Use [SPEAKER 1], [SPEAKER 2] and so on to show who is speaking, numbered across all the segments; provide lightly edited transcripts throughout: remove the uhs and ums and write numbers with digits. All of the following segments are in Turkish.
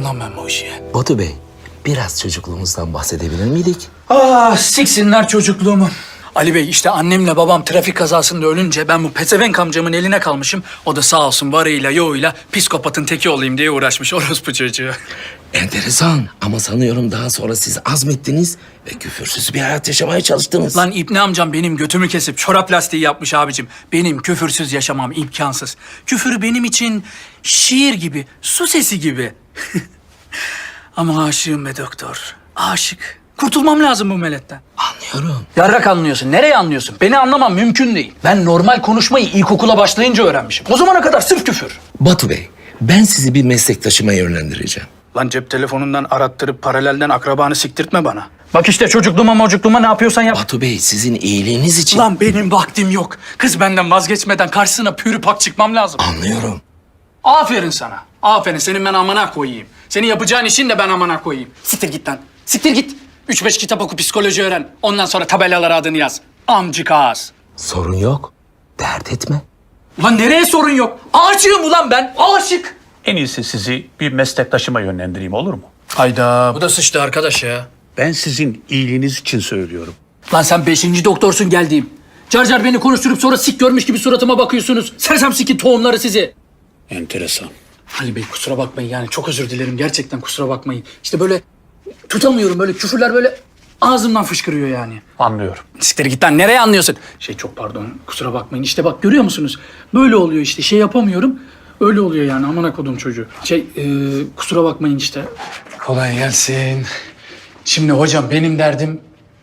[SPEAKER 1] yaptım lan ben bu işi?
[SPEAKER 2] Batu Bey, biraz çocukluğumuzdan bahsedebilir miydik?
[SPEAKER 1] Ah siksinler çocukluğumu. Ali Bey işte annemle babam trafik kazasında ölünce ben bu pezevenk amcamın eline kalmışım. O da sağ olsun varıyla yoğuyla psikopatın teki olayım diye uğraşmış orospu çocuğu.
[SPEAKER 2] Enteresan ama sanıyorum daha sonra siz azmettiniz ve küfürsüz bir hayat yaşamaya çalıştınız.
[SPEAKER 1] Lan İbni amcam benim götümü kesip çorap lastiği yapmış abicim. Benim küfürsüz yaşamam imkansız. Küfür benim için şiir gibi, su sesi gibi. Ama aşığım be doktor. Aşık. Kurtulmam lazım bu meletten.
[SPEAKER 2] Anlıyorum.
[SPEAKER 1] Yarrak anlıyorsun. Nereye anlıyorsun? Beni anlamam mümkün değil. Ben normal konuşmayı ilkokula başlayınca öğrenmişim. O zamana kadar sırf küfür.
[SPEAKER 2] Batu Bey, ben sizi bir meslektaşıma yönlendireceğim.
[SPEAKER 1] Lan cep telefonundan arattırıp paralelden akrabanı siktirtme bana. Bak işte çocukluğuma ne yapıyorsan yap.
[SPEAKER 2] Batu Bey, sizin iyiliğiniz için...
[SPEAKER 1] Lan benim vaktim yok. Kız benden vazgeçmeden karşısına pürü pak çıkmam lazım.
[SPEAKER 2] Anlıyorum.
[SPEAKER 1] Aferin sana. Aferin. Senin ben amana koyayım. Senin yapacağın işin de ben amana koyayım. Siktir git lan. Siktir git. 3-5 kitap oku, psikoloji öğren. Ondan sonra tabelalara adını yaz. Amcık ağız.
[SPEAKER 2] Sorun yok. Dert etme.
[SPEAKER 1] Ulan nereye sorun yok? Aşığım ulan ben. Aşık.
[SPEAKER 3] En iyisi sizi bir meslektaşıma yönlendireyim, olur mu?
[SPEAKER 1] Hayda. Bu da sıçtı arkadaş ya.
[SPEAKER 3] Ben sizin iyiliğiniz için söylüyorum.
[SPEAKER 1] Lan sen 5. doktorsun geldiğim. Car car beni konuşturup sonra sik görmüş gibi suratıma bakıyorsunuz. Sersem sikin tohumları sizi.
[SPEAKER 3] Enteresan.
[SPEAKER 1] Ali Bey kusura bakmayın yani çok özür dilerim. Gerçekten kusura bakmayın. İşte böyle tutamıyorum böyle küfürler böyle ağzımdan fışkırıyor yani.
[SPEAKER 3] Anlıyorum.
[SPEAKER 1] Siktir git lan nereye anlıyorsun? Çok pardon kusura bakmayın. İşte bak görüyor musunuz? Böyle oluyor işte şey yapamıyorum. Öyle oluyor yani amına kodum çocuğu. Kusura bakmayın işte. Kolay gelsin. Şimdi hocam benim derdim...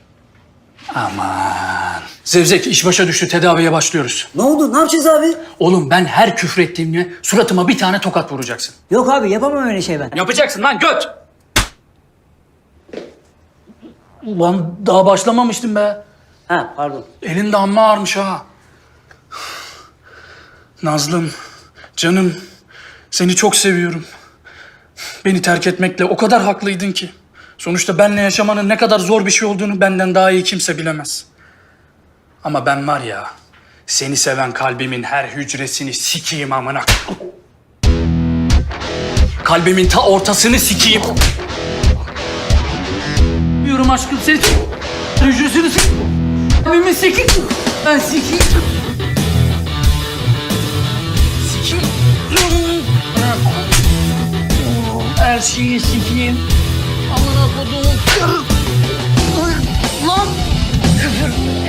[SPEAKER 1] Aman. Zevzek iş başa düştü tedaviye başlıyoruz.
[SPEAKER 4] Ne oldu? Ne yapacağız abi?
[SPEAKER 1] Oğlum ben her küfrettiğimde suratıma bir tane tokat vuracaksın.
[SPEAKER 4] Yok abi yapamam öyle şey ben.
[SPEAKER 1] Yapacaksın lan göt. Ulan daha başlamamıştım be.
[SPEAKER 4] Ha pardon.
[SPEAKER 1] Elin de amma ağırmış ha. Nazlım, canım, seni çok seviyorum. Beni terk etmekle o kadar haklıydın ki. Sonuçta benle yaşamanın ne kadar zor bir şey olduğunu benden daha iyi kimse bilemez. Ama ben var ya, seni seven kalbimin her hücresini sikeyim amına. Kalbimin ta ortasını sikeyim. Diyorum aşkım seni hücresini sikeyim. Kalbimin sikeyim. Ben sikeyim. Sikeyim. Her şeyi sikeyim. Amına kodum. Lan!